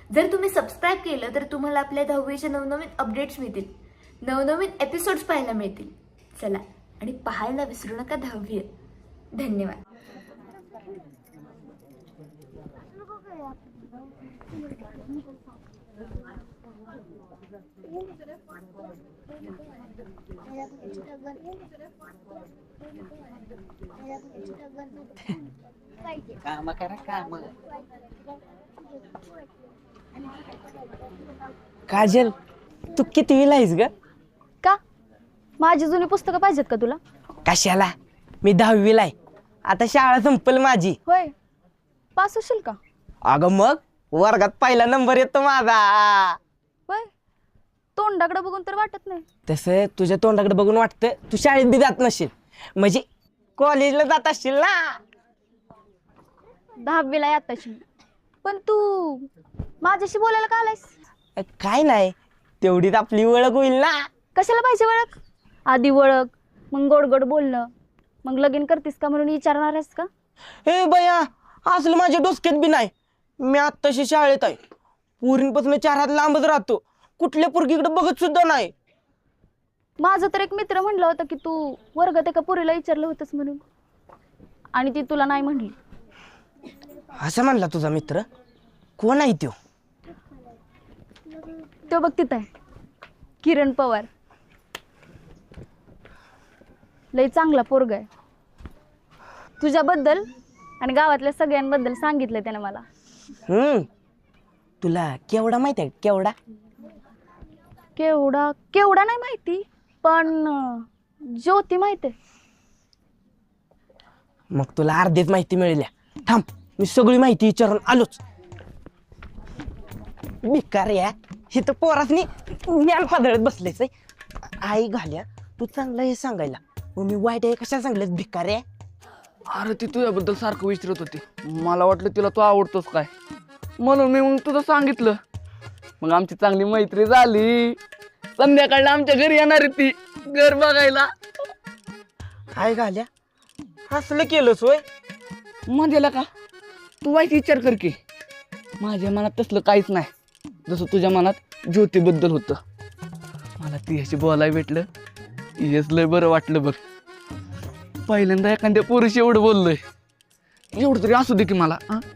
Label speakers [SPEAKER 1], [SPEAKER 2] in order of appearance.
[SPEAKER 1] जर तुम्ही सबस्क्राईब केलं तर तुम्हाला आपल्या 10वीचे नवनवीन अपडेट्स मिळतील, नवनवीन एपिसोड्स पाहायला मिळतील. चला आणि पाहायला विसरू नका 10वी. धन्यवाद.
[SPEAKER 2] काम करा काम. काजल, तू कितवीला आहेस ग?
[SPEAKER 3] का माझी जुनी पुस्तकं पाहिजेत का तुला?
[SPEAKER 2] कशाला, मी 10वीला आहे. आता शाळा संपल माझी.
[SPEAKER 3] होय, पास होशील का?
[SPEAKER 2] अगं मग वर्गात पहिला नंबर येतो माझा.
[SPEAKER 3] होय, तोंडाकडे बघून तर वाटत नाही.
[SPEAKER 2] तसं तुझ्या तोंडाकडे बघून वाटतं तू शाळेत बी जात नसशील, म्हणजे कॉलेजला जात असशील ना.
[SPEAKER 3] 10वीला आताशी. पण तू माझ्याशी बोलायला का आलायस?
[SPEAKER 2] काय नाही, तेवढीच आपली ओळख होईल ना.
[SPEAKER 3] कशाला पाहिजे ओळख? आधी ओळख, मग गोड गोड बोलणं, मग लगीन करतीस का म्हणून विचारणार आहेस का?
[SPEAKER 2] हे बया, असलं माझ्या डोसक्यात बी नाही. मी आत्ताशी शाळेत आहे, पोरींपासून 4 हात लांबच राहतो, कुठल्या पोरगीकडे बघत सुद्धा नाही.
[SPEAKER 3] माझं तर एक मित्र म्हणलं होतं की तू वर्गात एका पोरीला विचारलं होतंस म्हणून, आणि ती तुला नाही म्हणली.
[SPEAKER 2] असं म्हणला तुझा मित्र? कोण आहे तो?
[SPEAKER 3] तो बघ तिथं आहे, किरण पवार. लय चांगला पोरगा आहे. तुझ्याबद्दल आणि गावातल्या सगळ्यांबद्दल सांगितलंय त्याने मला.
[SPEAKER 2] तुला केवढा माहिती आहे? केवढा?
[SPEAKER 3] केवढा केवढा नाही माहिती, पण ज्योती माहिती आहे.
[SPEAKER 2] मग तुला अर्धीच माहिती मिळाली. थांब, मी सगळी माहिती विचारून आलोच. बेकार या, हे तर पोरासनी ज्ञान पादळत बसलेच आहे. आई घाल्या, तू चांगलं हे सांगायला, मग मी वाईट आहे कशा सांगलेस? भिकार आहे.
[SPEAKER 4] अरे ती तुझ्याबद्दल सारखं विचारत होती, मला वाटलं तिला तू आवडतोस काय, म्हणून मी मग तुझं सांगितलं. मग आमची चांगली मैत्री झाली. संध्याकाळला आमच्या घरी येणार आहे ती, घर बघायला.
[SPEAKER 2] आई घाल्या, असलं केलंस होय?
[SPEAKER 4] म्हणजे का तू वाईट विचार कर की, माझ्या मनात तसलं काहीच नाही, जसं तुझ्या मनात ज्योतीबद्दल होतं. मला ती अशी बोलायला भेटलं, हेच लय बरं वाटलं बघ. पहिल्यांदा एखाद्या पुरुष एवढं बोललोय, एवढं तरी असू दे की मला.